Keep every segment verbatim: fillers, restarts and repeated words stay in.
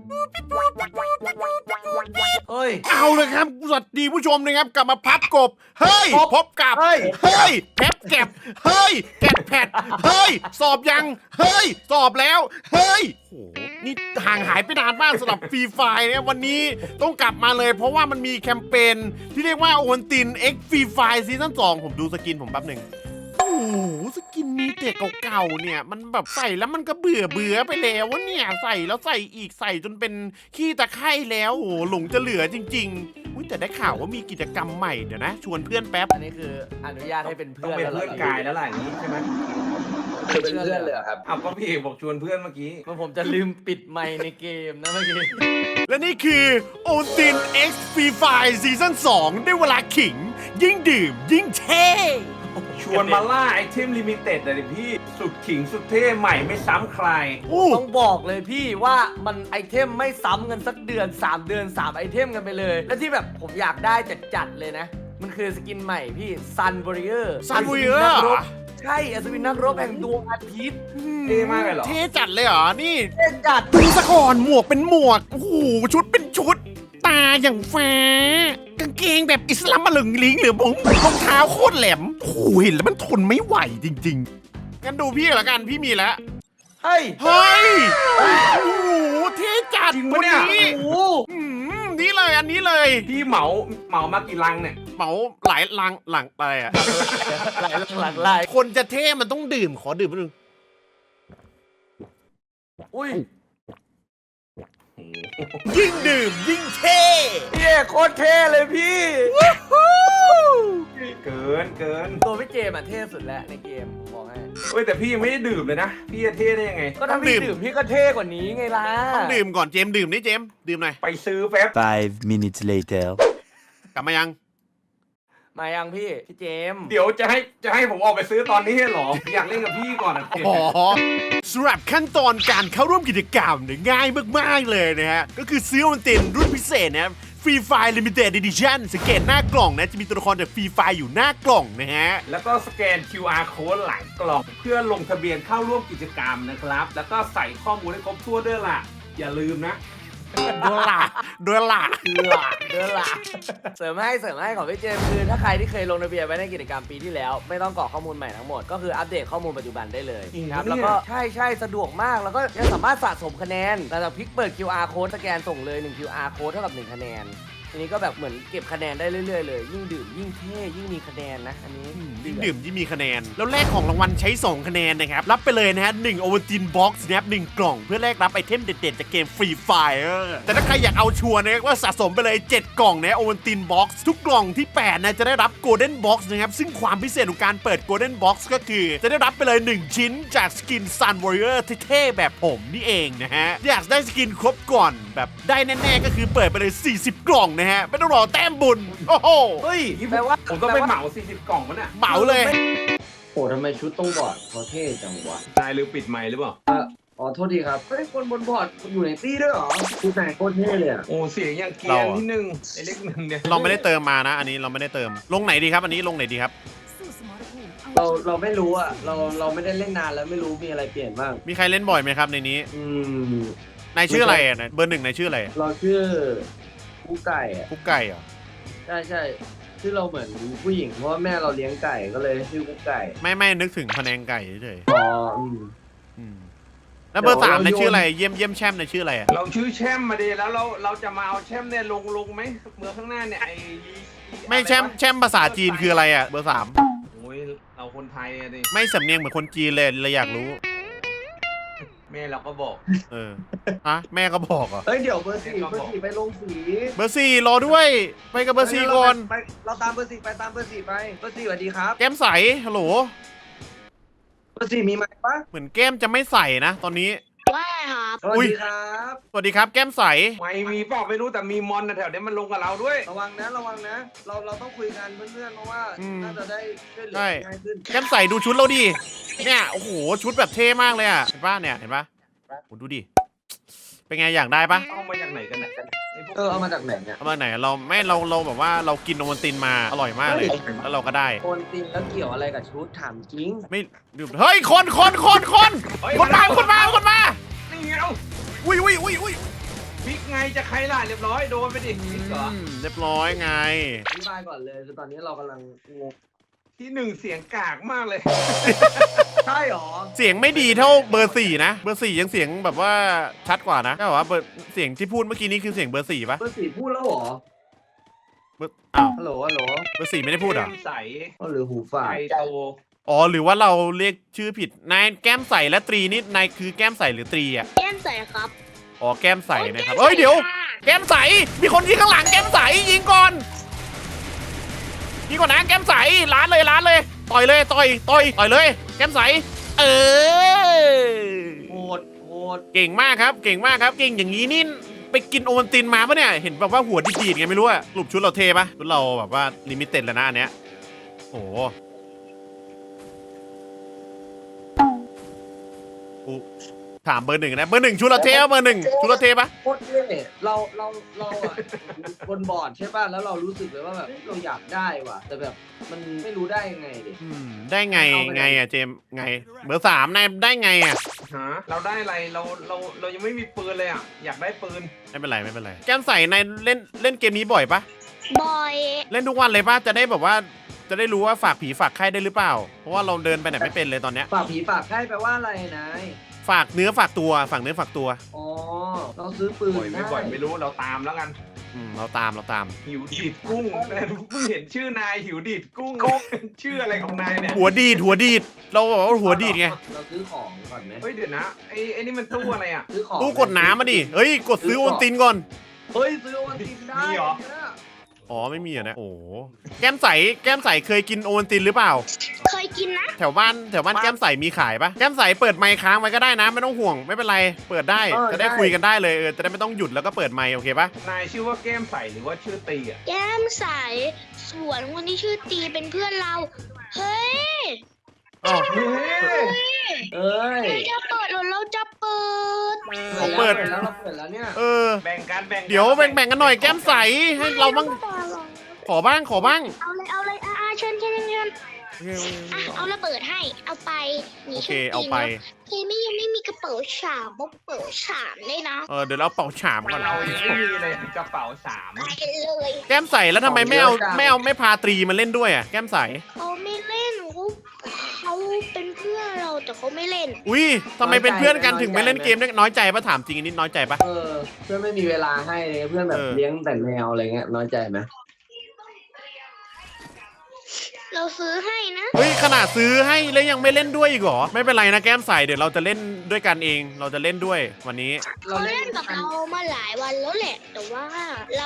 เฮ้ยเอาเลยครับสวัสดีผู้ชมนะครับกลับมาพับกบเฮ้ยพบกับเฮ้ยเฮ้ยแพบแก็บเฮ้ยแกะแผดเฮ้ยสอบยังเฮ้ยสอบแล้วเฮ้ยโหนี่ห่างหายไปนานมากสำหรับฟรีไฟเนี่ยวันนี้ต้องกลับมาเลยเพราะว่ามันมีแคมเปญที่เรียกว่าโอวันติน X ฟรีไฟซีซั่นสองผมดูสกินผมแป๊บหนึ่งโอ้โหสกินมีแต่เก่าๆเนี่ยมันแบบใส่แล้วมันก็เบื่อเบื่อไปแล้ววะเนี่ยใส่แล้วใส่อีกใส่จนเป็นขี้ตะไคร่แล้วโอ้โหหลงจะเหลือจริงๆอุ้ยแต่ได้ข่าวว่ามีกิจกรรมใหม่เดี๋ยวนะชวนเพื่อนแป๊บอันนี้คืออนุญาตให้เป็นต้อเพื่งอนเป็นแล้วหรเพื่อนกายแล้วล่ะอย่างนี้ใช่ไหมเป็นเพื่อนเลยเหรอครับเอาก็พี่เอกบอกชวนเพื่อนเมื่อกี้มันผมจะลืมปิดไมค์ในเกมนะเมื่อกี้และนี่คือโอติน X Free Fire ซีซั่นสองได้เวลาขิง ยิ่งดื่ม ยิ่งเท่ชวนมาล่าไอเทมลิมิเต็ดเลยพี่สุดขิงสุดเท่ใหม่ไม่ซ้ำใครอู้ต้องบอกเลยพี่ว่ามันไอเทมไม่ซ้ำกันสักเดือนสามเดือนสามไอเทมกันไปเลย และที่แบบผมอยากได้จัดๆเลยนะ มันคือสกินใหม่พี่ Sun Warrior ซันบุยเออร์ใช่อัศวินนักรบแห่งดวงอาทิตย์เท่มากเลยเหรอเท่จัดเลยเหรอ นี่เท่จัดดูสะก่อนหมวกเป็นหมวก โอ้โห ชุดเป็นชุด ตาอย่างฟ้ากางเกงแบบอิสลามมาหลึงลิงหรือผมรองเท้าโคตรแหลมโอ้โหเห็นแล้วมันทนไม่ไหวจริงๆงั้นดูพี่ละกันพี่มีแล้วเฮ้ยเฮ้ย โอ้โห เท่จัดจริงตัปะวเนี่ยนี้โอ้โหอืมนี่เลยอันนี้เลยพี่เหมาเหมามากี่ลังเนี่ยเหมาหลายลังหลังอะไรอะหลายหลังลายคนจะเท่มันต้องดื่มขอดื่มนิดนึงอุ้ยยิ่งดื่มยิ่งเท่พี่เอกโคตรเท่เลยพี่เกินเกินตัวพี่เจมส์อะเท่สุดแล้วในเกมผมบอกให้เฮ้ยแต่พี่ยังไม่ได้ดื่มเลยนะ พี่จะเท่ได้ยังไงก็ถ้าพี่ดื่มพี่ก็เท่กว่านี้ไงล่ะต้องดื่มก่อนเจมส์ดื่มนี่เจมส์ดื่มหน่อยไปซื้อแป๊บ Five minutes later. กลับมายังมายังพี่พี่เจมส์เดี๋ยวจะให้จะให้ผมออกไปซื้อตอนนี้เหรอ อยากเล่นกับพี่ก่อนอะอ๋อสำหรับขั้นตอนการเข้าร่วมกิจกรรมเนี่ยง่ายมากๆเลยนะฮะ ก็คือซื้อมันเต็นรุ่นพิเศษนะครับฟรีไฟล์ลิมิเต็ด Edition สังเกตหน้ากล่องนะ จะมีตัวละครจากฟรีไฟล์อยู่หน้ากล่องนะฮะแล้วก็สแกน คิว อาร์ code หลังกล่องเพื่อลงทะเบียนเข้าร่วมกิจกรรมนะครับ แล้วก็ใส่ข้อมูลให้ครบถ้วนด้วยล่ะ อย่าลืมนะด้วยล่ะด้วยล่ะหลักเดือนหลักเสริมให้เสริมให้ของพี่เจมส์คือถ้าใครที่เคยลงทะเบียนไว้ในกิจกรรมปีที่แล้ว ไม่ต้องกรอกข้อมูลใหม่ทั้งหมดก็คืออัปเดตข้อมูลปัจจุบันได้เลยจริงครับปะเนี่ยแล้วก็ใช่ใช่สะดวกมากแล้วก็ยังสามารถสะสมคะแนนแต่จะพลิกเปิด คิว อาร์ code สแกนส่งเลยหนึ่ง คิว อาร์ code เท่ากับหนึ่งคะแนนทีนี้ก็แบบเหมือนเก็บคะแนนได้เรื่อยๆเลยยิ่งดื่มยิ่งเท่ยิ่งมีคะแนนนะอันนี้ยิ่งดื่มยิ่งมีคะแนน แล้วแลกของรางวัลใช้ สอง คะแนนนะครับ รับไปเลยนะฮะหนึ่งโอวัลตินบ็อกซ์นะครับหนึ่งกล่อง เพื่อแลกรับไอเทมเด็ดๆ จากเกมฟรีไฟร์แต่ถ้าใครอยากเอาชัวร์นะครับว่าสะสมไปเลย เจ็ด กล่องนะโอวัลตินบ็อกซ์ทุกกล่องที่ แปด นะ จะได้รับโกลเด้นบ็อกซ์นะครับ ซึ่งความพิเศษของการเปิดโกลเด้นบ็อกซ์ก็คือ จะได้รับไปเลย หนึ่ง ชิ้นจากสกินซันวอริเออร์เท่ๆแบบผมนี่เองนะฮะอยากได้สกินครบก่อนแบบได้แน่ๆก็คือเปิดไปเลยสี่สิบกล่องนะฮะไม่ต้องรอแต้มบุญโอ้โหเฮ้ยนี่แปลว่าผมต้องไปแปลว่าเหมาสี่สิบกล่องมันอ่ะเหมาเลยโอ้ทำไมชุดต้องบอร์ดเขาเท่จังวะนายลืมปิดไมค์หรือเปล่าอ๋อโทษทีครับเฮ้ยคนบนบอร์ดอยู่ในตี้ด้วยเหรอชุดไหนโคตรเท่เลยอ่ะโอ้เสียงยังเกรียเรานอะที่หนึ่งไอเล็กหนึ่งเนี่ยเราไม่ได้เติมมานะ อันนี้เราไม่ได้เติมลงไหนดีครับอันนี้ลงไหนดีครับเราเราไม่รู้อ่ะเราเราไม่ได้เล่นนานแล้วไม่รู้มีอะไรเปลี่ยนบ้างมีใครเล่นบ่อยไหมครับในนี้อืมนายชื่ออะไรอ่ะเบอร์หนึ่งนายชื่ออะไรเราชื่อผู้ไก่อ่ะกุ๊กไก่เหรอใช่ใช่ชื่อเราเหมือนผู้หญิงเพราะว่าแม่เราเลี้ยงไก่ก็เลยชื่อผู้ไก่ไม่ไม่นึกถึงพะแนงไก่เฉยอ๋ออืมๆอืมแล้วเบอร์สามเดี๋นายยวเราชื่ออะไรโยนเยี่ยมเยี่ยมแช่มนายชื่ออะไรอ่ะเราชื่อแช่มมาดีแล้วเราเราจะมาเอาแช่มเนี่ยลงลงไหมเมื่อข้างหน้าเนี่ยไอไม่แช่มแช่มภาษาจีนคืออะไรอ่ะเบอร์สามโอ้ยเราคนไทยอะดิไม่สำเนียงเหมือนคนจีนเลยเลยอยากรู้แม่เราก็บอกเออฮะแม่ก็บอกเหรอเฮ้ยเดี๋ยวเบอร์สี่เบอร์สี่ไปลงสีเบอร์สี่รอด้วย ไปกับเบอร์สี่ก่อนไปเราตามเบอร์สี่ไปตามเบอร์สี่ไปเบอร์สี่สวัสดีครับแก้มใสฮัลโหลเบอร์สี่มีไหมปะเหมือนแก้มจะไม่ใส่นะ ตอนนี้ว่าครับสวัสอุ๊ยดีครับสวัสดีครับแก้มใสไม่มีเปล่าไม่รู้แต่มีมอนนะแถวเนี้ยมันลงกับเราด้วยระวังนะระวังนะ เราเราต้องคุยกันเพื่อนๆเพราะว่าอืมน่าจะได้ช่วยเหลือใช่ง่ายขึ้นแก้มใสดูชุดเราดิเนี่ยโอ้โหชุดแบบเท่มากเลยอ่ะเห็นปะเนี่ยเห็นปะโอ้ดูดิเป็นไงอยากได้ปะเอามาจากไหนกันเนี่ยไพวกเออเอามาจากไหนเนี่ยเอามาไหนเราไม่เราเราแบบว่าเรากินโอวัลตินมาอร่อยมากเลย แล้วเราก็ได้โอนตินแล้วเกี่ยวอะไรกับชุดถามจริงไม่ดูเฮ้ยคนคนคนคนคนมาคนมาคนมานี่เอาอุ้ยอุ้ยอุ้ยอุ้ยไงจะใครล่ะเรียบร้อยโดนไปดิพิกเหรออืมเรียบร้อยไงอธิบายก่อนเลยคือตอนนี้เรากำลังงงที่หนึ่งเสียงกากมากเลยใช่หรอเสียงไม่ดีเท่าเบอร์สี่นะเบอร์สี่ยังเสียงแบบว่าชัดกว่านะใช่ป่าวะเบอร์เสียงที่พูดเมื่อกี้นี้คือเสียงเบอร์สี่ปะเบอร์สี่พูดแล้วหรอเบอร์อ้าวฮัลโหลฮัลโหลเบอร์สี่ไม่ได้พูดเหรอแก้มใสอ๋อหรือหูฝาดใจโตอ๋อหรือว่าเราเรียกชื่อผิดนายแก้มใสและตรีนี่นายคือแก้มใสหรือตรีอ่ะแก้มใสครับอ๋อแก้มใสนะครับเอ้ยเดี๋ยว แก้มใสมีคนยิงข้างหลังแก้มใสยิงก่อนยิงก่อนนะแก้มใสล้านเลยล้านเลยต่อยเลยต่อยต่อยต่อยเลย แก้มใสเออโหดโหดเก่งมากครับเก่งมากครับเก่งอย่างนี้นี่ไปกินโอวัลตินมาปะเนี่ยเห็นแบบว่าหัวดีๆไงไม่รู้อะรูปชุดเราเทปะชุดเราแบบว่าลิมิเต็ดแล้วนะอันเนี้ยโอ้โหอุ๊ถามเบอร์หนึ่งนะเบอร์หนึ่งชุดเราเทปะเบอร์หนึ่งชุดเราเทปะโคตรเท่เราเราเราอะบนบอร์ดใช่ป่ะแล้วเรารู้สึกเลยว่าแบบเฮ้ยเราอยากได้ว่ะแต่แบบมันไม่รู้ได้ยังไงดิอืมได้ไงไงอะเจมส์ไงเบอร์สามนายได้ไงอะฮะเราได้อะไรเราเราเรายังไม่มีปืนเลยอ่ะอยากได้ปืนไม่เป็นไรไม่เป็นไรแก้มใสนายเล่นเล่นเกมนี้บ่อยปะบอยเล่นทุกวันเลยปะจะได้แบบว่าจะได้รู้ว่าฝากผีฝากไข้ได้หรือเปล่า เพราะว่าเราเดินไปไหนไม่เป็นเลยตอนเนี้ยฝากผีฝากไข้แปลว่าอะไรนายฝากเนื้อฝากตัวฝากเนื้อฝากตัวอ๋อเราซื้อปืนบ่อยไม่บ่อยไม่รู้เราตามแล้วกันอืมเราตามเราตามหิวดีดกุ้งแต่เพิ่งเห็นชื่อนายหิวดีดกุ้งชื่ออะไรของนายเนี่ยหัวดีดหัวดีดเราบอกว่าหัวดีดไงเราซื้อของก่อนไหมเฮ้ยเดี๋ยวนะไอ้ไอ้นี่มันตู้อะไรอ่ะซื้อของตู้กดน้ำมาดิเฮ้ยกดซื้อโอนตินก่อนเฮ้ยซื้อโอวัลตินได้มีเหรอเนี่ยอ๋อไม่มีอ่ะนะโอ้โหแก้มใสแก้มใสเคยกินโอนตินหรือเปล่าเคยกินนะแถวบ้านแถวบ้านแก้มใสมีขายปะแก้มใสเปิดไมค์ค้างไว้ก็ได้นะไม่ต้องห่วงไม่เป็นไรเปิดได้จะได้คุยกันได้เลยเออจะได้ไม่ต้องหยุดแล้วก็เปิดไมค์โอเคปะนายชื่อว่าแก้มใสหรือว่าชื่อตีอ่ะแก้มใสส่วนคนที่ชื่อตีเป็นเพื่อนเรา เฮ้ยอ๋อเฮ้ยเอ้ยเราจะเปิดหรือเราจะเปิดเขาเปิดแล้วเราเปิดแล้วเนี่ยเออแบ่งกันแบ่งกันเดี๋ยวแบ่งๆกันหน่อยแก้มใสให้เราบ้างขอบ้างขอบ้างเอาเลยเอาเลยอ่าเชิญเชิญเชิญอ่ะเอาระเบิดให้เอาไปนี่โอเคชื่เอาไปเคไม่ยังไม่มีกระเป๋าฉาบบอกเป๋าฉามเลยนะเออเดี๋ยวเราเป่าฉามก่อนเรายังไม่มีเลยกระเป๋าสามไปเลยแก้มใสแล้วทำไมไม่เอาไม่เอาไม่พาตรีมาเล่นด้วยอ่ะแก้มใสเขาไม่เล่นเขาเขาเป็นเพื่อนเราแต่เขาไม่เล่นอุ้ยทำไมเป็นเพื่อนกันถึงไม่เล่นเกมเนี่ยน้อยใจปะถามจริงอันนี้น้อยใจปะเออเพื่อนไม่มีเวลาให้เลยเพื่อนแบบเออเลี้ยงแต่แมวอะไรเงี้ยน้อยใจไหมเราซื้อให้นะเฮ้ยขนาดซื้อให้แล้วยังไม่เล่นด้วยอีกเหรอไม่เป็นไรนะแก้มใสเดี๋ยวเราจะเล่นด้วยกันเอง เราจะเล่นด้วยวันนี้เราเขาเล่เล่นนกับเรามาหลายวันแล้วแหละ แต่ว่าเรา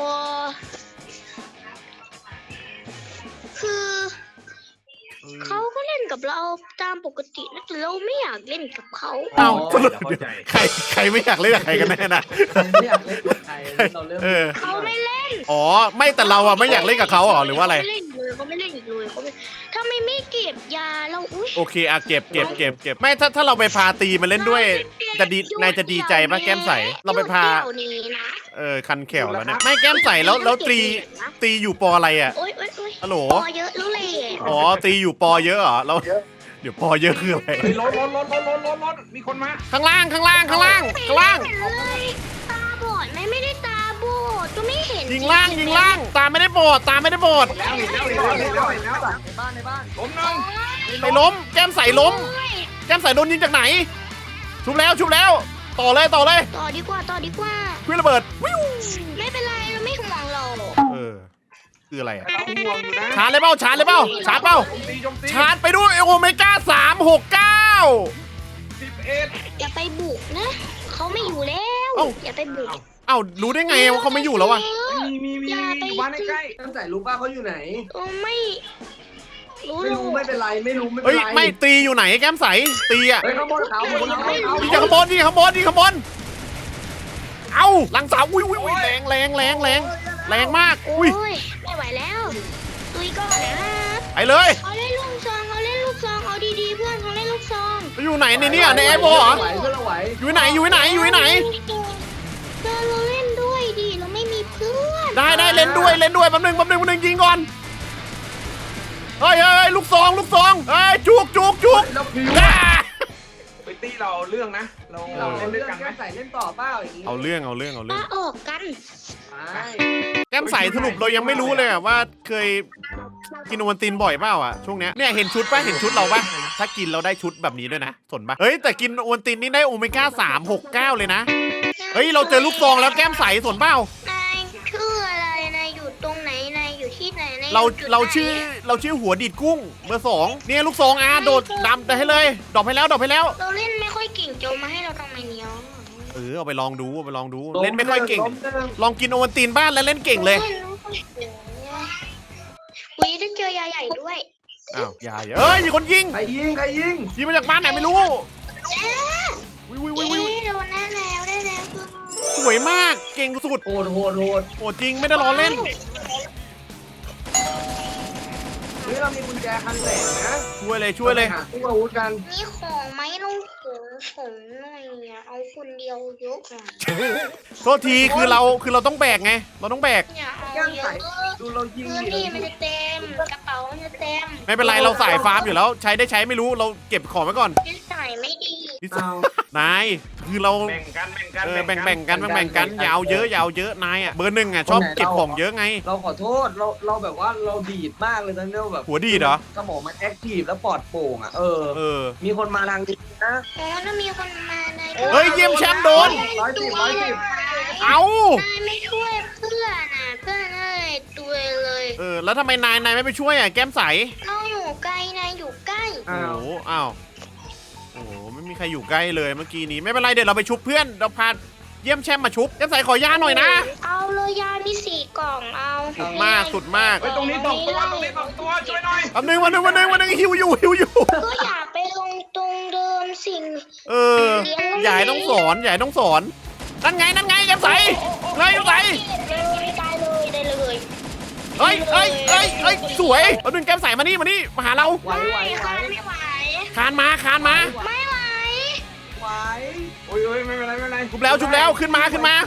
คือเขาก็เล่นกับเราตามปกตินะแต่เราไม่อยากเล่นกับเขาเอ้าเข้าใจใครใครไม่อยากเล่นกับใครกันแน่นะไม่อยากเล่นกับใครเราเริ่มเออเขาไม่เล่นอ๋อไม่แต่เราอะไม่อยากเล่นกับเขาเหรอหรือว่าอะไรเขาไม่เล่นอีกเลยเขาไม่เล่นอีกเลยเขาไม่ถ้าไม่ไม่เก็บยาเราอุ้ยโอเคอะเก็บเก็บเก็บเก็บไม่ถ้าถ้าเราไปพาตีมาเล่นด้วยจะดีนายจะดีใจปะแก้มใสเราไปพาเดี๋ยวนี้นะเออคันแขวแล้วเนี่ยไม่แก้มใสแล้วแล้วตรีตีอยู่ปออะไรอะโอ๊ยโอ๊ยโอ๊ยฮัลโหลพอเยอะแล้วเลยอ๋อตีอยู่ปอเยอะเหรอเราเดี๋ยวปอเยอะคืออะไรเฮ้ยรถรถรถรถรถรถรถมีคนมาข้างล่างข้างล่างข้างล่างข้างล่างไม่เห็นเลยตาบอดไหมไม่ได้ตาบอดก็ไม่เห็นยิงล่างยิงล่าง ตาไม่ได้โบดตาไม่ได้โบดแล้วเห็นแล้วเห็นแล้วเห็นแล้วเห็นแล้วในบ้านในบ้านผมน้องไปล้ม แก้มใสล้ม แก้มใสโดนยิงจากไหน ชุบแล้วชุบแล้ว ต่อเลยต่อเลยต่อดีกว่าต่อดีกว่าควิระเบิดวิวไม่เป็นไรเราไม่ห่วงเราเออคืออะไรอะเราห่วงอยู่นะชาร์จเลยเปล่าชาร์จเลยเปล่าชาร์จเปล่าโจมตีโจมตีชาร์จไปด้วยโอเมก้าสามหกเก้าสิบเอ็ดอย่าไปบุกนะเขาไม่อยู่แล้วเอ้าอย่าไปบุกเอ้ารู้ได้ไงว่าเขาไม่อยู่แล้ววะมีมีมีอย่ามีไปอยู่บ้านใกล้ตั้งแต่รู้ป่ะเขาอยู่ไหนเออไม่รู้ไม่หรรู้อกไม่เป็นไรไม่รู้ไม่เป็เฮ้นยไรไม่ตีอยู่ไหนแก้มใสตีอะเฮ้ยข้างบนเขาบนเขาเขายิงจากข้างบนยิงจากข้างบนยิงข้างบนเอ้าหลังเสาอุ้ยอุ้ยอุ้ยแรงแรงแรงแรงแรงมากโอ้อุ้ยยไม่ไหวแล้วตุยก่อนนะไปเลยเขาเล่นลูกซองเขาเล่นลูกซองเอาดีๆเพื่อนเขาเล่นลูกซองไปอยู่ไหนในเนี่ยในแอร์บอลเหรอไหวเพื่อนเราไหวอยู่ไหนอยู่ไหนอยู่ไหนเพื่อนเราเล่นด้วยดิเราไม่มีเพื่อนได้ได้เล่นด้วยเล่นด้วยแป๊บนึงแป๊บนึงแป๊บนึงยิงก่อนเฮ้ยเฮ้ยลูกซองลูกซองเฮ้ยจุกจุกจุกแล้วพิวอ่าๆไปตี้เราเรื่องนะ เราเราเล่นด้เรื่วอย งกันไหมแก้มใส่เล่นต่อเปล่าอย่างนี้เอาเรื่องเอาเรื่องเอาเรื่มาองออกกันไปแก้มใสสรุปเรายังไม่รู้เลยอะว่าเคยกินโอวัลตินบ่อยเปล่าอ่ะช่วงเนี้ยเนี่ยเห็นชุดป่ะเห็นชุดเราป่ะถ้ากินเราได้ชุดแบบนี้ด้วยนะสนป่ะเฮ้ยแต่กินโอวัลตินนี่ได้โอเมก้าสาม หก เก้าเลยนะเฮ้ยเราเจอลูกซองแล้วแก้มใสสนเปล่านายชื่ออะไรนายอยู่ตรงไหนนายอยู่ที่ไหนนายเราอยู่จุดเราไหนชื่อเราชื่อหัวดีดกุ้งเบอร์สองเนี่ยลูกซองอ่ะโดดดำแต่ให้เลยดรอปให้แล้วดรอปให้แล้วเราเล่นไม่ค่อยเก่งจะเอามาให้เราทำไมเนี่ยเออเอาไปลองดูเอาไปลองดูเล่นไม่ค่อยเก่งล้มหนึ่งลองกินโอวัลตินบ้านแล้วเล่นเก่งเลยวีได้เจอยาใหญ่ด้วยอ้าวอย่าอย่าเอ้ยมีคนยิงใครยิงใครยิงยิงมาจากบ้านไหนไม่รู้วิววิววิววิวเอ๊ะโดนได้แล้วได้แล้วสวยมากเก่งสุดโหดโหดโหดโอ้จริงไม่ได้ล้อเล่นเฮ้ยเรามีกุญแจคันแหลกนะช่วยเลยช่วยเลยราไปหาตู้อาวุธกันมีของไหมลงถุงผมหน่อยอะเอาคนเดียวเยอะอ่ะโทษทีคือเราคือเราต้องแบกไง เราต้องแบกอย่าเอาแก้มเยใสอะดูเรายิงพื้นดิที่มันจะเต็มกระเป๋ามันจะเต็มไม่เป็นไรเราสายฟาร์มอยู่แล้ว ใช้ได้ใช้ไม่รู้เราเก็บของไว้ก่อนนิสัยไม่ดีเอานายคือเราแบ่งกันแบ่งกันเออแบ่งแบ่งกันแบ่งแบ่งกันอยาวเยอะอยาวเยอะนายอ่ะเบอร์หนึ่งอ่ะชอบเก็บของเยอะไงเราขอโทษเราเราแบบว่าเราดีดมากเลยนะเนี่ยแบบหัวดีดเหรอสมองมันแอคทีฟแล้วปลอดโปร่งอ่ะเออเออมีคนมาทางนี้นะอ๋อถ้ามีคนมาในเฮ้ยเยี่ยมแชมป์โดนร้อยสิบร้อยสิบเอานายไม่ช่วยเพื่อนอ่ะเพื่อนเอ้ยตัวเลยเออแล้วทำไมนายนายไม่ไปช่วยอ่ะแก้มใสเราอยู่ไกลนายอยู่ใกล้โอ้อ้าวโหอ้าวโอ้โหไม่มีใครอยู่ใกล้เลยเมื่อกี้นี้ไม่เป็นไรเดี๋ยวเราไปชุบเพื่อนเราพาเยี่ยมแชมป์มาชุบแก้มใสขอยาหน่อยนะเอาเลยยามีสี่กล่องเอาสุดมากสุดมากเฮ้ยตรงนี้สองตัวตรงนี้สองตัวช่วยหน่อยอันหนึ่งวันหนึ่งวันหนึ่งวันหนึ่งหิวอยู่หิวอยู่ก็อย่าไปลงตรงเดิมสิ่งเออใหญ่ต้องสอนใหญ่ต้องสอนนั่นไงนั่นไงแก้มใสเลยแก้มใสได้เลยได้เลยเฮ้ยเฮ้ยเฮ้ยเฮ้ยสวยเอาดึงแก้มใสมานี่มานี่มาหาเราไหวไหวไม่ไหวค่ะไม่ไหวคานมาคานมาไม่ไหวไหวโอ้ยโอ้ยไม่เป็นไรไม่เป็นไรชุบแล้วชุบแล้วขึ้นมาขึ้นมา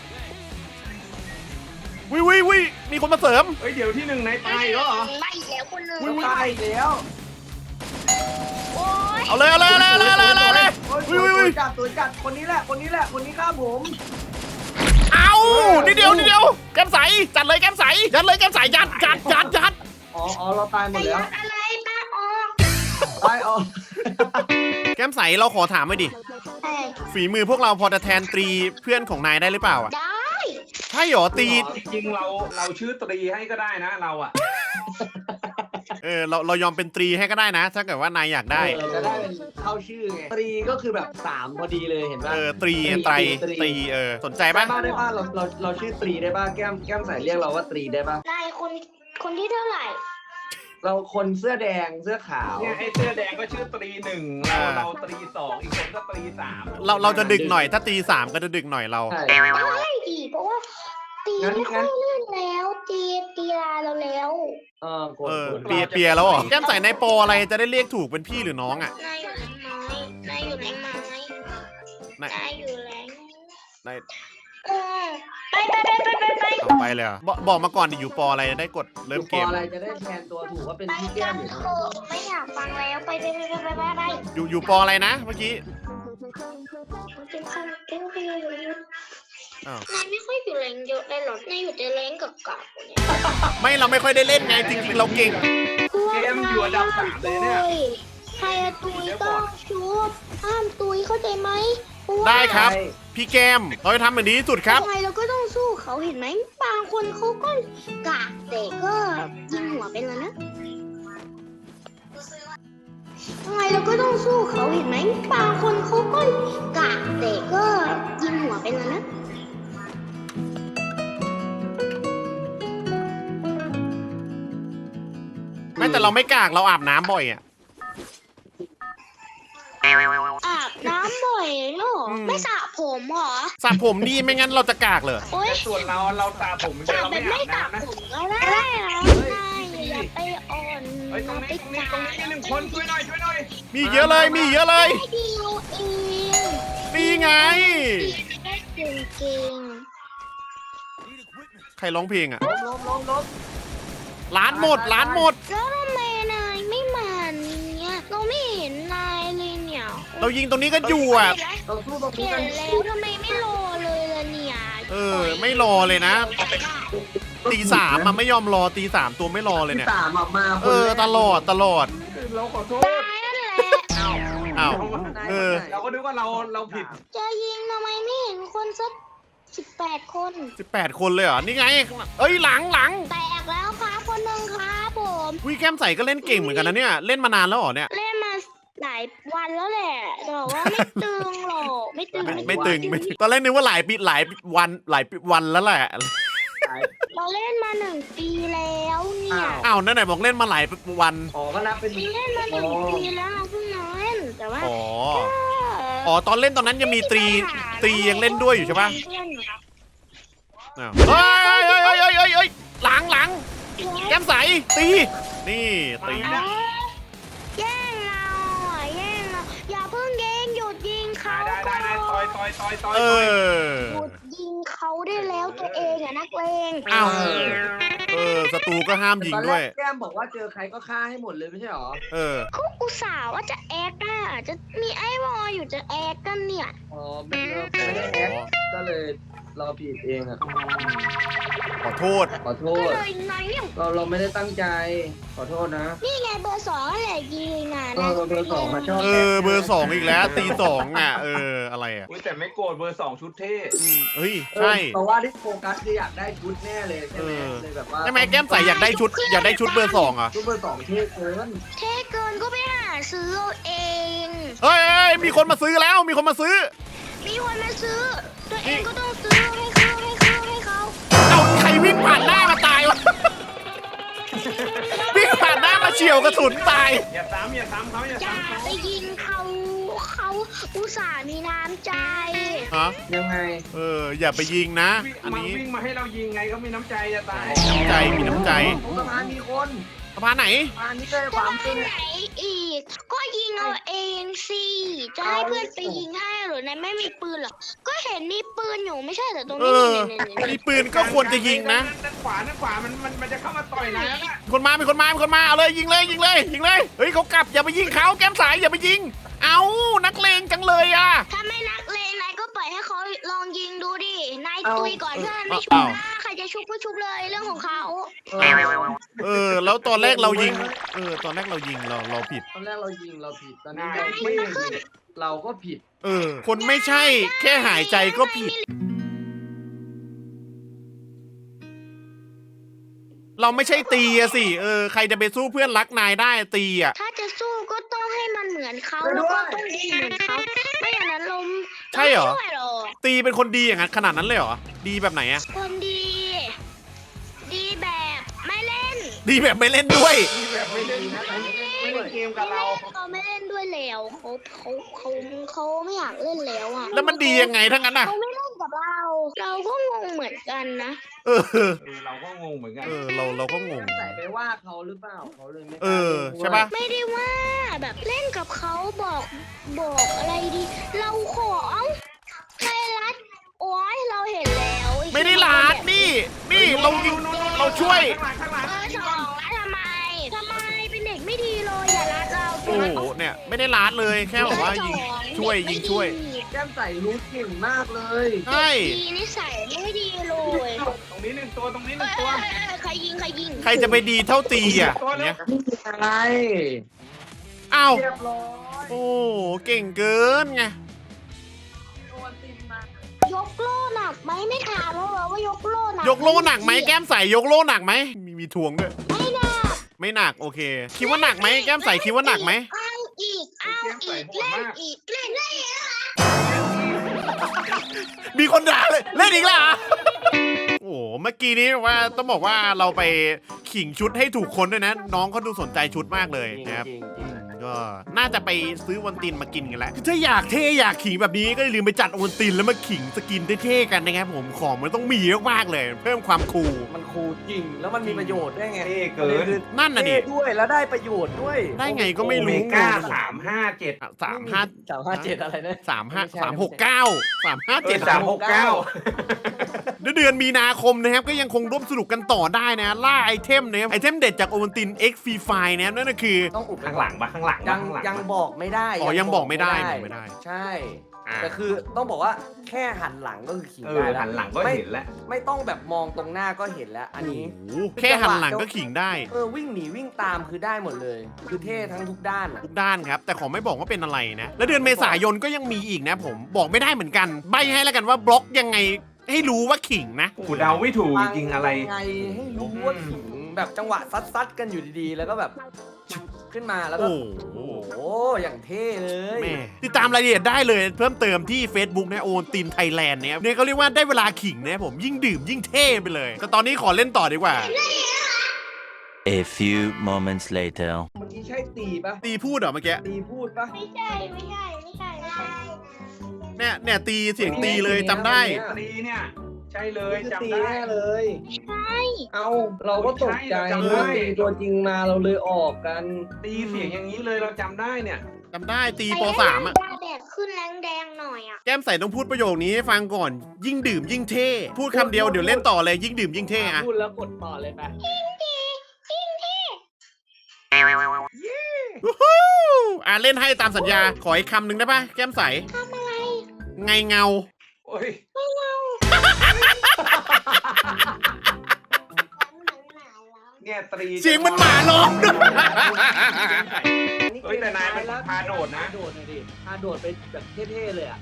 วิววิววิมีคนมาเสริมเฮ้ยเดี๋ยวที่หนึ่งในตายแล้วเหรอไม่แล้วคนหนึ่งตายอีกแล้วโอ๊ยเอาเลยเอาเลยเอาเลยเอาเลยเอาเลยเอาเลยโอ้ยวิววิวตัววิจัดตัวจัดคนนี้แหละคนนี้แหละคนนี้ฆ่าผมเอานิดเดียวนิดเดียวแก้มใสจัดเลยแก้มใสยัดเลยแก้มใสยัดยัดยัดยัดอ๋ออ๋อเราตายหมแต่ดแล้ยัวดอะไรป้าออกตายอ๋อแก้มใสเราขอถามหน่อยดิเอ้ยฝีมือพวกเราพอจะแทนตรีเพื่อนของนายได้หรือเปล่าอ่ะได้ใช่หรอตีจริงๆเราเราชื่อตรีให้ก็ได้นะเราอะเออเราเรายอมเป็นตรีให้ก็ได้นะ ถ้าเกิดว่านายอยากได้เออจะได้เป็นเข้าชื่อไงตรีก็คือแบบสามพอดีเลยเห็นป่ะเออตรีไตรตรีเออสนใจได้ปะป่ะได้ป่ะเราเราเราชื่อตรีได้ป่ะแก้มแก้มใส่เรียกเราว่าตรีได้ป่ะนายคนคนที่เท่าไหร่เราคนเสื้อแดงเสื้อขาวเนี่ยไอ้เสื้อแดงก็ชื่อตรีหนึ่งเราเราตรีสองอีกคนก็ตรีสามเราเราจะดึกหน่อยถ้าตีสามก็จะดึกหน่อยเราใช่ไม่ดีเพราะว่าตีไม่ค่อยเล่นแล้วตีตีลาเราแล้วเออกดเออกดเปียเปียแล้วเหรอแก้มใสในโปรอะไรจะได้เรียกถูกเป็นพี่หรือน้องอ่ะนายอยู่ในไม้นายอยู่ในไม้นายนายอยู่แรงนายเออไปไปไปไปไปไปเอาไปเลยเหรอบอกบอกมาก่อนดิอยู่ปออะไรจะได้กดเริ่มเกมพออะไรจะได้แทนตัวถูกว่าเป็นไปพี่แก้กัมนอยู่เถอะไม่อยากฟังแล้วไปไปไปไปไปไปไปอยู่อยู่ปออะไรนะเมื่อกี้เป็นคันเอ้ยอยู่อยู่อยู่อ้าวนายไม่ค่อยอยู่แรงเยอะเลยหรอนายอยู่แต่แรงกับกากเนี่ยไม่เราไม่ค่อยได้เล่นไงจริงๆเราเก่งเกมอยู่อันดับสามเลยเนี่ยใครอะตุยต้องชุบห้ามตุยเข้าใจไหมเพาะว่าได้ครับ พี่แกมเราจะทำแบบนี้ที่สุดครับยังไงเราก็ต้องสู้เขาเห็นไหมบางคนเขาก็กากแต่ก็ยิงหัวไปแล้วนะยังไงเราก็ต้องสู้เขาเห็นไหมบางคนเขาก็กากแต่ก็ยิงหัวไปแล้วนะไม่แต่เราไม่กากเราอาบน้ำบ่อยอ่ะอาบน้ำบ่อยเหรออืมไม่สระผมเหรอสระผมดีไม่งั้นเราจะกากเลยโอ๊ยแต่ส่วนเราเราตาผมสระเราแบไม่บอาไม่บสระน้ำนะผมก็ได้นะนายอย่าไปอ่อนเฮ้ยตรงนี้ตรงนี้ตรงนี้มีหนึ่งคนช่วยหน่อยช่วยหน่อยมีเยอะเลยมีเยอะเลยไม่ดีเราเองนี่ไงได้เก่งเก่งใครร้องเพลงอ่ะล้มล้มล้มล้มร้านหมดร้านหมดแล้วทำไมนายไม่มาเนี่ยเราไม่เห็นนายเลยเนี่ยโอ้เรายิงตรงนี้กันอยู่อ่ะเราสู้ตรงนี้เห็กันนแล้วทำไมไม่รอเลยล่ะเนี่ยเออ ไม่รอเลยนะ ตีสามมันไม่ยอมรอตีสามตัวไม่รอเลยที่เนี่ยสามอะมาคนเออแรกตลอดตลอดเราขอโทษตายนั่นแหละอ้าวเออเราก็นึกว่าเราเราผิดจะยิงทำไมไม่เห็นคนสักสิบแปดคนสิบแปดคนเลยเหรอ นี่ไง เอ้ยหลังหลังแตกแล้วครับคนหนึ่งครับผมวิแก้มใสก็เล่นเก่งเหมือนกันนะเนี่ย เล่นมานานแล้วเหรอเนี่ยเล่นมาหลายวันแล้วแหละแต่ว่าไม่ตึงหรอกไม่ตึงไม่ไม่ตึงไม่ตึงตอนแรกนึกว่าหลายปีหลายวันหลายวันแล้วแหละเราเล่นมาหนึ่งปีแล้วเนี่ยอ้าวนั่นไหนบอกเล่นมาหลายวันอ๋อก็นับเป็นเล่นมาหนึ่งปีแล้วเราเพิ่งมาเล่นแต่ว่าอ๋อเอ๋อตอนเล่นตอนนั้นยังมีตรีตรียังเล่นด้วยอยู่ใช่ปะเพื่อนอยู่ครับอ้าวเฮ้ยเฮ้ยเฮ้ยเฮ้ยเฮ้ยเฮ้ยหลังหลังแก้มใสตีนี่ตีเอาแย่งเราอ่ะแย่งเราอย่าเพิ่งยิงหยุดยิงเขาได้ได้ได้ต่อยต่อยต่อยต่อยเออหยุดยิงเขาได้แล้วตัวเองอ่ะนักเลงอ้าวเออศัตรูก็ห้ามยิงตอนแรด้วยกแก้มบอกว่าเจอใครก็ฆ่าให้หมดเลยไม่ใช่หรอเออเขาอุตส่าห์ว่าจะแอคอ่ะจะมีไอ้วออยู่จะแอคกันเนี่ยอ๋อไม่ไม่ได้แอคก็เลยเราผิดเองอะขอโทษขอโทก็ษเลยนายเนี่ยเราเราไม่ได้ตั้งใจ ขอโทษนะนี่ไงเบอร์สองแหละยิงอ่ะเอนะอเบอร์สองมาชอบเออเบอร์สองอีกแล้วตีสองอ่ะเอออะไรอ่ะอุ้ยแต่ไม่โกรธเบอร์สองชุดเท่อืมเฮ้ยเออใช่เพราะว่าที่โฟกัสคืออยากได้ชุดแน่เลยใช่ไหมเออเลยแบบว่าใช่ไหมแก้มใสอยากได้ชุด อยากได้ชุดเบอร์สองเหรอ่ะชุดเบอร์สองเท่เกินเท่เกินก็ไปหาซื้อเอาเองเฮ้ยเฮ้ยมีคนมาซื้อแล้วมีคนมาซื้อมีคนมาซื้อ ตัวเองก็ต้องซื้อให้เขาให้เขาให้เขาเอาใครวิ่งผ่านหน้ามาตายวะ วิ่งผ่านหน้ามาเฉียวกระสุนตายอย่าซ้ำอย่าซ้ำเขาอย่าอย่าซ้ำเขาไปยิงเขาเขาอุตส่าห์มีน้ำใจฮะยังไงเอออย่าไปยิงนะวิ่งอันมานี้วิ่งมาให้เรายิงไงก็มีน้ำใจจะตายน้ำใจมีน้ำใจของสะพานมีคนสะพานไหนสะพานนี้เลยคจะวามไปตึงไหนอีก ก็ยิงเอาเองสิจะให้เพื่อนไปยิงให้หรือนายไม่มีปืนเหรอก็เห็นมีปืนอยู่ไม่ใช่เหรอตรงเอนี้อนี่นี่นี่มีปืนก็ควรจะยิงนะด้านขวาด้านขวามันมันมันจะเข้ามาต่อยนะมีคนมามีคนมามีคนมาเอาเลยยิงเลยยิงเลยยิงเลย เฮ้ยเขากลับอย่าไปยิงเขาแก้มสายอย่าไปยิง เอานักเลงจังเลยอ่ะถ้าไม่นักเลงนายก็ปล่อยให้เขาลองยิงดูดินายตุยก่อนเพื่อนไม่ชุบเอานะใครจะชุบก็ชุบเลยเรื่องของเขาเออเออ แล้วตอนแรกเรายิง เออ ตอนแรกเรายิงเราเราผิดตอนแรกเรายิงเราผิดตอนนี้เราไม่ยิงเราก็ผิดเออ คนไม่ใช่ แค่หายใจก็ผิด เราไม่ใช่ตีอะสิ เออ ใครจะไปสู้เพื่อนรักนายได้ตีอะถ้าจะสู้ก็ต้องให้มันเหมือนเขาไปด้แล้ววยก็ต้องยิงเหมือนเขาไม่อย่างนั้นลมใช่เหรอไม่ช่วยหรอกตีเป็นคนดีอย่างนั้นขนาดนั้นเลยเหรอ ดีแบบไหนอะคนดี ดีแบบไม่เล่นดีแบบไม่เล่นด้วยที่แบบไม่เล่นไม่เล่นเกมกับเราเขาไม่เล่นด้วยแล้วเขาเขาเขาเขาไม่อยากเล่นแล้วอ่ะแล้วมันดียังไงทั้งนั้นอะเขาไม่เล่นกับเรา เราก็งงเหมือนกันนะเออเออเราก็งงเหมือนกันเออ เราเราก็งงใส่ไปว่าเขาหรือเปล่าเขาเลยไม่กล้าเออล่นด้วยใช่ปะไม่ได้ว่าแบบเล่นกับเขาบอกบอกอะไรดี เราขอเอ้าใครรัดโอ้ยเราเห็นแล้วอ้ไม่ได้ลาดนี่ นี่เรายิงเราช่วยข้างหลังข้างหลังเบอร์สองแล้วทำไมทำไมเป็นเด็กไม่ดีเลยอย่ารัดเราโอ้โห เนี่ย ไม่ได้ลาดเลย แค่แบบว่ายิง ช่วยยิงช่วยแก้มใส่รู้เก่งมากเลยใช่ดีนิสัยไม่ดีเลยตรงนี้หนึ่งตัวตรงนี้หเอ้นึ่งยตัวเอ้ยเอ้ยใครยิงใครยิงใครจะไปดีเท่าตีอ่ะเนี่ยไม่มีอะไรอ้าวเรียบร้อยโอ้ เก่งเกินไงโดนติดมายกโล่หนักไหมไม่ถามแล้วเหรอว่ายกโล่หนักยกโล่หนักไหมแก้มใสยกโล่หนักไหมมีมีทวงด้วยไม่หนักไม่หนักโอเค คิดว่าหนักไหมแก้มใสคิดว่าหนักไหมเอาอีกเอาอีกเล่นอีกเล่นได้อีกมีคนด่าเลยเล่นอีกแล้วเหรอโอ้โหเมื่อกี้นี้ว่าต้องบอกว่าเราไปขิงชุดให้ถูกคนด้วยนะ น้องเขาดูสนใจชุดมากเลยจริงนะครับจริงจริงก็น่าจะไปซื้อวันตินมากินกันแล้วคือถ้าอยากเท่อยากขิงแบบนี้ก็อย่าลืมไปจัดวันตินแล้วมาขิงสกินเท่ๆกันนะครับผมของมันต้องมีมากๆเลย เพิ่มความคูลมันคูลจริง แล้วมันมีประโยชน์ด้วยไงเท่เกินคือนั่นน่ะดิเท่ด้วยแล้วได้ประโยชน์ด้วยได้ไงก็ไม่โอเมรู้ก้าสามห้าเจ็ดอ่ะสามห้าสามห้าเจ็ดอะไรนะสามห้าไม่ใช่สามหกเก้าสามห้าเจ็เจ็ดดสามหกเก้าเดี๋ยวเดือนมีนาคมนะครับก็ยังคงร่วมสนุกกันต่อได้นะล่าไอเทมนะครับไอเทมเด็ดจากโอวัลติน X Free Fire นะครับนั่นก็คือต้องอุบไปข้างก่หอลันงปะข้างหลังยัปะงข้างหลังยังบอกไม่ได้อ๋อยังบอกไม่ได้บอกไม่ได้ใช่อ่าแต่คือต้องบอกว่าแค่หันหลังก็คือขิงเอได้อแล้วหันหลังก็ไม่เห็นแล้วไม่ต้องแบบมองตรงหน้าก็เห็นแล้ว อันนี้โอ้โหแค่หันหลังก็ขิงได้เออวิ่งหนีวิ่งตามคือได้หมดเลย คือเท่ทั้งทุกด้านอะทุกด้านครับ แต่ขอไม่บอกว่าเป็นอะไรนะ แล้วเดือนเมษายนก็ยังมีอีกนะผมบอกไม่ได้เหมือนกัน ใบให้แล้วกันว่าบล็อกยังไงให้รู้ว่าขิงนะกูเดาไม่ถูกจริงๆอะไรไงให้รู้ว่าขิงแบบจังหวะซัดๆกันอยู่ดีๆ แล้วก็แบบขึ้นมาแล้วก็โอ้โหโอ้โหอย่างเท่เลยแม่ติดตามรายละเอียดได้เลยเพิ่มเติมที่ Facebook นะโอนตินไทยแลนด์เนี่ยเนี่ยเขาเรียกว่าได้เวลาขิงนะผมยิ่งดื่มยิ่งเท่ไปเลย แต่ตอนนี้ขอเล่นต่อดีกว่า A few moments later. เมื่อกี้ใช่ตีปะตีพูดเหรอเมื่อกี้ตีพูดปะไม่ใช่ไม่ใช่ไม่ใช่ไม่ใช่เนี่ยเนี่ยตีเสียงตีเลยจำได้ตีเนี่ย ใช่เลยจะจำตีได้แน่เลยไม่ใช่เอาเราก็ตกใจใช่เราจำได้ว่าตีตัวจริงมาเราเลยออกกันตีเสียงอย่างนี้เลยเราจำได้เนี่ยจำได้ตีปสามอ่ะตาแดดขึ้นแรงแดงหน่อยอ่ะแก้มใส่ต้องพูดประโยคนี้ให้ฟังก่อน ยิ่งดื่มยิ่งเท่ พูดคำเดียวเดี๋ยวเล่นต่อเลยยิ่งดื่มยิ่งเท่อะพูดแล้วกดต่อเลยไปวู้ฮู้อ่ะเล่นให้ตามสัญญา ขออีกคำหนึ่งได้ปะแก้มใสทำอะไรไงเงาโอ้ย เนี่ยตรีเสียงมันหมาร้องด้วยเฮ้ยแต่นายมันพาโดดนะพาโดดหน่อยดิพาโดดไปแบบเท่ๆเลยอ่ะ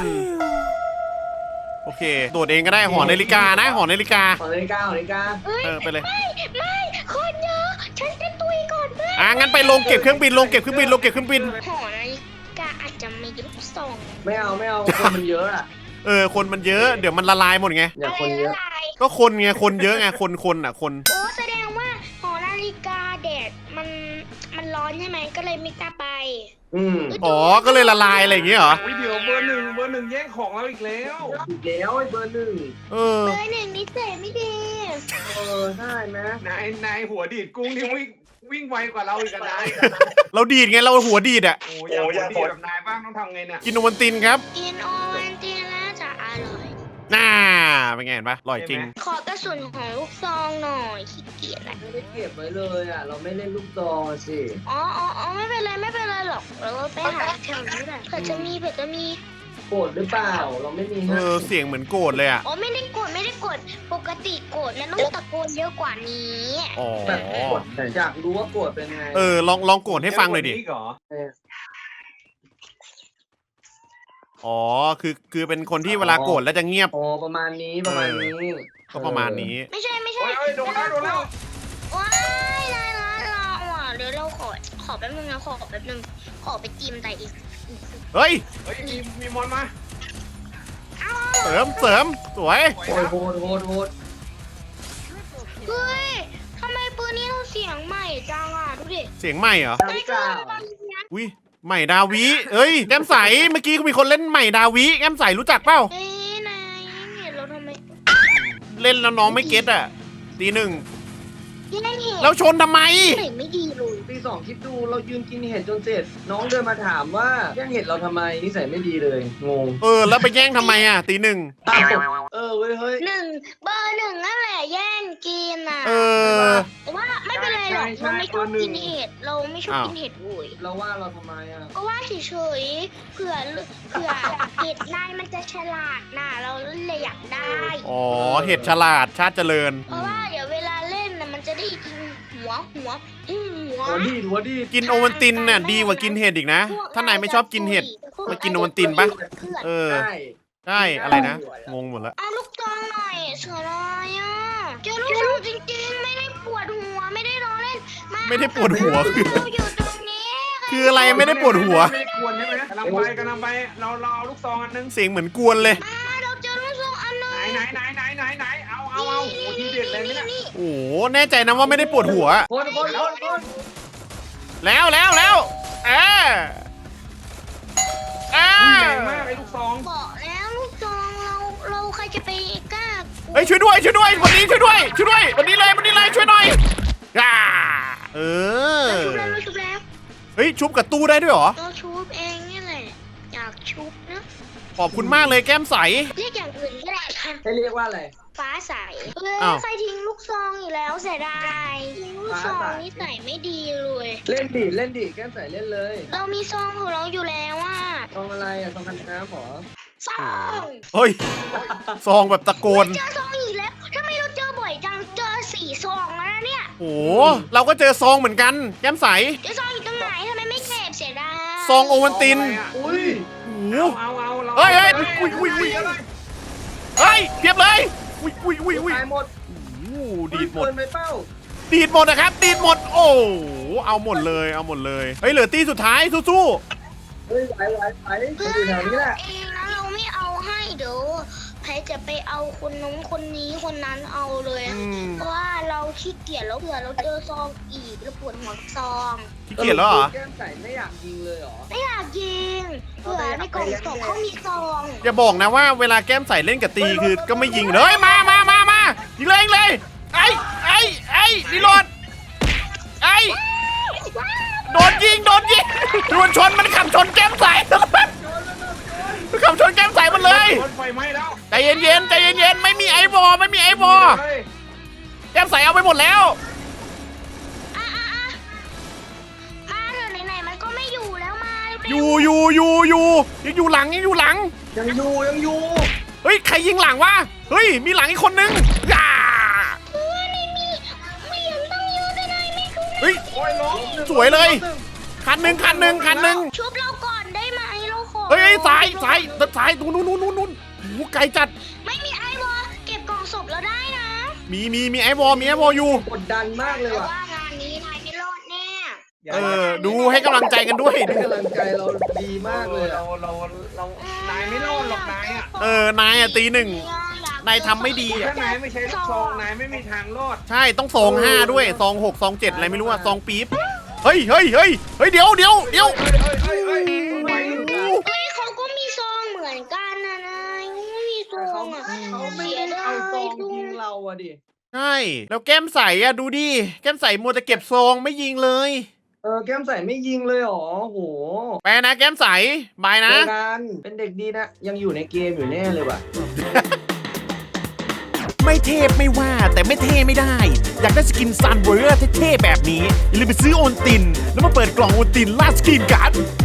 โอเค โดดเองก็ได้หอนาฬิกานะ หอนาฬิกาขอนาฬิกาขอนาฬิกาเออไปเลยไม่ไม่คนเยอะฉันจะตุยก่อนเพื่อนอ่ะงั้นไปลงเก็บเครื่องบินลงเก็บเครื่องบินลงเก็บเครื่องบินหอนาฬิกาอาจจะมีลูกซองไม่เอาไม่เอาคนมันเยอะอ่ะเออคนมันเยอะเดี๋ยวมันละลายหมดไงอย่าคนเยอะไรก็คนไงคนเยอะไงคนคนอ่ะคนโอ้แสดงว่าหอนาฬิกาแดดมันมันร้อนใช่ไหมก็เลยไม่กล้าไปอืมอ๋อก็เลยละลายอะไรอย่างเงี้ยเหรอวิเดี๋ยวเบอร์หนึ่งเบอร์หนึ่งแย่งของเราอีกแล้วอีกแล้วไอ้เบอร์หนึ่งเออเบอร์หนึ่งนิสัยไม่ดีเออได้ไหมนายนายหัวดีดกุ้งนี่วิ่งวิ่งไวกว่าเราอีกอะนายเราดีดไงเราหัวดีดอ่ะโอ้ยอยากหัวดีดแบบนายบ้างต้องทำไงเนี่ยกินโอวัลตินครับกินโอวันตินแล้วจะอร่อยน่าเป็นไงเห็นปะอร่อยจริงขอกระสุนของลูกซองหน่อยขี้เกียจอะไม่ได้เก็บไว้เลยอ่ะ เราไม่เล่นลูกซองอะสิอ๋ออ๋ออ๋อไม่เป็นไรไม่เป็นไรหรอกเราไปหาแถวนี้แหละเผื่อจะมีเผื่อจะมีโกรธหรือเปล่า เราไม่มีเอให้อเสียงเหมือนโกรธเลยอ่ะอ๋อไม่ได้กดไม่ได้กดปกติกดนะต้องตะโกนเยอะกว่านี้อ๋อแบบโกรธอยากรู้ว่าโกรธเป็นไงเออลองลองโกรธให้ฟังหน่อยดิเกว่าเหรอเอออ๋อคือคือเป็นคนที่เวลาโกรธแล้วจะเงียบอ๋อประมาณนี้ประมาณนี้ก็ประมาณนี้ไม่ใช่ไม่ใช่โอ้ยโอ้ยโดนแล้วโดนแล้วว้ายนายร้านเราอ่ะเดี๋ยวเราขอขอแป๊บนึงนะขอแป๊บนึงขอไปจิ้มแต่อีกเฮ้ยเฮ้ยมีมีมอนมาเสริมเสริมสวยโอ้ยโหดโหดโหดเฮ้ยทำไมปืนนี้เราเสียงใหม่จังอ่ะดูดิเสียงใหม่เหรอดาวเก้าอุ้ยใหม่ดาวิเอ้ยแก้มใสเมื่อกี้มีคนเล่นใหม่ดาวิแก้มใสรู้จักเปล่าเอ้ยนายเห็นเราทำไมเล่นแล้วน้องไม่เก็ตอ่ะตีหนึ่งยังเห็นแล้วชนทำไมเห็นไม่ดีเลยปีสองคิดดูเรายืนกินเห็ดจนเสร็จ น้องเดินมาถามว่าแย่งเห็ดเราทำไมนิสัยไม่ดีเลยงงเออแล้วไปแย่งทำไมอ่ะตีหนึ่งอ้าวเออเว้ยเฮ้ยหนึ่งเบอร์หนึ่งนั่นแหละแย่งกินอ่ะเออแต่ว่าไม่เป็นไรหรอกเราไม่ชอบกินเห็ดเราไม่ชอบกินเห็ดโวยเราว่าเราทำไมอ่ะก็ว่าเฉยๆเผื่อเผื่อเห็ดนายมันจะฉลาดน่ะเราเลยอยากได้อ๋อเห็ดฉลาดชาติเจริญเพราะว่าเดี๋ยวเวลาเล่นน่ะมันจะได้กินหัวหัวหัวหัวดีดหัวดีดกินโอวัลตินน่ะดีกว่ากินเห็ดอีกนะ ถ้านายไม่ชอบกินเห็ด มากินโอวัลตินปะ เออใช่ใช่อะไรนะงงหมดแล้วเอาลูกซองหน่อยเสือลายอ่ะเจอลูกซองจริงๆไม่ได้ปวดหัวไม่ได้ร้องเล่นมาไม่ได้ปวดหัวคือเราอยู่ตรงนี้คืออะไรไม่ได้ปวดหัวไม่ได้กวนใช่ไหมกำลังไปกำลังไปเราเราเอาลูกซองอันนึงเสียงเหมือนกวนเลยมาเราเจอลูกซองอันหนึงไหนไหนไหนไหนไหนไหนเอาเอาเอาโอ้ทีเด็ดเลยไหมเนี่ยนี่โอ้โหแน่ใจนะว่าไม่ได้ปวดหัวคนคนคนคนแล้วแล้วแล้วเออเออุ้ยอใหญ่มากไอ้ลูกซองบอกแล้วลูกซองเราเราใครจะไปกล้าเฮ้ยช่วยด้วยช่วยด้วยวันนี้ช่วยด้วยช่วยด้วยวันนี้เลยวันนี้เลยช่วยหน่อยอ่าเออเราชุบแล้วเราชุบแล้วเฮ้ยชุบกับตู้ได้ด้วยเหรอเราชุบเองนี่แหละอยากชุบนะขอบคุณมากเลยแก้มใสเรียกอย่างอื่นก็ได้ค่ะให้เรียกว่าอะไรฟ้าใสเอ้ยอ้าวใครทิ้งลูกซองอีกแล้วเสียดายทิ้งลูกซองนี่ใส่ไม่ดีเลยเล่นดิเล่นดิแก้มใส่เล่นเลยเรามีซองของเราอยู่แล้วอ่ะซองอะไรอ่ะซองกันน้ำหรอซองเฮ้ย ซองแบบตะโกนเจอซองอีกแล้วทำไมเราเจอบ่อยจังเจอสี่ซองแล้วนะเนี่ยโอ้โหเราก็เจอซองเหมือนกัน แก้มใสเจอซองอยู่ตรงไหนทำไมไม่เก็บเสียดายซองโอวันตินอุ้ยโอ้โหเอาเอาเอาเฮ้ยเฮ้ยอุ้ยอุ้ยอุ้ยเฮ้ยเพียบเลยอุ้ยอุ้ยอุ้ยอุ้ยตายหมดโอ้โหดีดหมดเกินไปเป้าดีดหมดนะครับ ดีดหมด โอ้โหเอาหมดเลย เอาหมดเลย เฮ้ย เหลือตีสุดท้ายสู้เฮ้ยไหวไหวไหวเพื่ออยู่แถวนี้แหละเองนะเราไม่เอาให้เดี๋ยวใครจะไปเอาคนนู้นคนนี้คนนั้นเอาเลยๆอืมเพราะว่าเราขี้เกียจแล้วเผื่อเราเจอซองอีกแล้วปวดหัวกับซองขี้เกียจแล้วเหรอแก้มใส่ไม่อยากยิงเลยเหรอไม่อยากยิงเผื่อในกล่องศพเขามีซองอย่าบอกนะว่าเวลาแก้มใส่เล่นกับตีคือก็ไม่ยิงเลยมามามามายิงเลยยิงเลย ไอ้ไอ้ไอ้รีโหลดไอ้โดนยิง โดนยิงโดนชน มันขับชนแก้มใส่มันขับชนแก้มใส่มันเลยรถไฟไหม้แล้วใจเย็นๆใจเย็นๆไม่มีไอ้บอไม่มีไอ้บอเฮ้ยแก้มใส่เอาไปหมดแล้วอ่ะอ่ะอ่ะมาเถอะไหนๆมันก็ไม่อยู่แล้วมาเร็วๆอยู่อยู่อยู่อยู่ยังอยู่หลังยังอยู่หลังยังอยู่ยังอยู่เฮ้ย ใครยิงหลังวะ เฮ้ย มีหลังอีกคนนึงย่าเพื่อนไม่มีไม่เห็นต้องยืนไปไหนไม่คือเฮ้ยโอ้ยล้มสวยเลย คันหนึ่งคันหนึ่งคันหนึ่งชุบเราก่อนได้ไหมเราขอเฮ้ยเฮ้ยซ้ายซ้ายซ้ายนู้นนู้นนู้นนู้นนู้นโอ้โหไกลจัดไม่มีไอวอลเก็บกล่องศพเราได้นะมีมีมีไอ้วอลมีไอ้วอลอยู่กดดันมากเลยแต่ว่ะว่างานนี้นายไม่รอดแน่เออ ดูให้กำลังใจกันด้วยให้กำลังใจเราดีมากเลยเราอะเราเรานายไม่รอดหรอกนายอ่ะเออนายอะตีหนึ่ง นายทำไม่ดีถ้านายไม่ใช้ลูกซองนายไม่มีทางรอดใช่ต้องซองห้าด้วยซองหกซองเจ็ดอะไรไม่รู้อะซองปี๊บเฮ้ยเฮ้ยเฮ้ยเฮ้ยเดี๋ยวเดี๋ยวเดี๋ยวเฮ้ยเฮ้ยเฮ้ยเฮ้ยไหวอยู่เฮ้ยเขาก็มีซองเหมือนกันนะนายไม่มีซแต่อเขางอ่ะเขาไม่ได้เอาซองยิงเราอะดิใช่แล้วแก้มใสอะดูดิแก้มใสมัวแต่เก็บซองไม่ยิงเลยเออแก้มใส่ไม่ยิงเลยเหรอโหไปนะแก้มใสบายนะเจอกันเป็นเด็กดีนะ ยังอยู่ในเกมอยู่แน่เลยว่ะไม่เทพไม่ว่าแต่ไม่เท่ไม่ได้ อยากได้สกินซันเวอร์เท่ๆแบบนี้ อย่าลืมไปซื้อโอนติน แล้วมาเปิดกล่องโอนตินล่าสกินกัน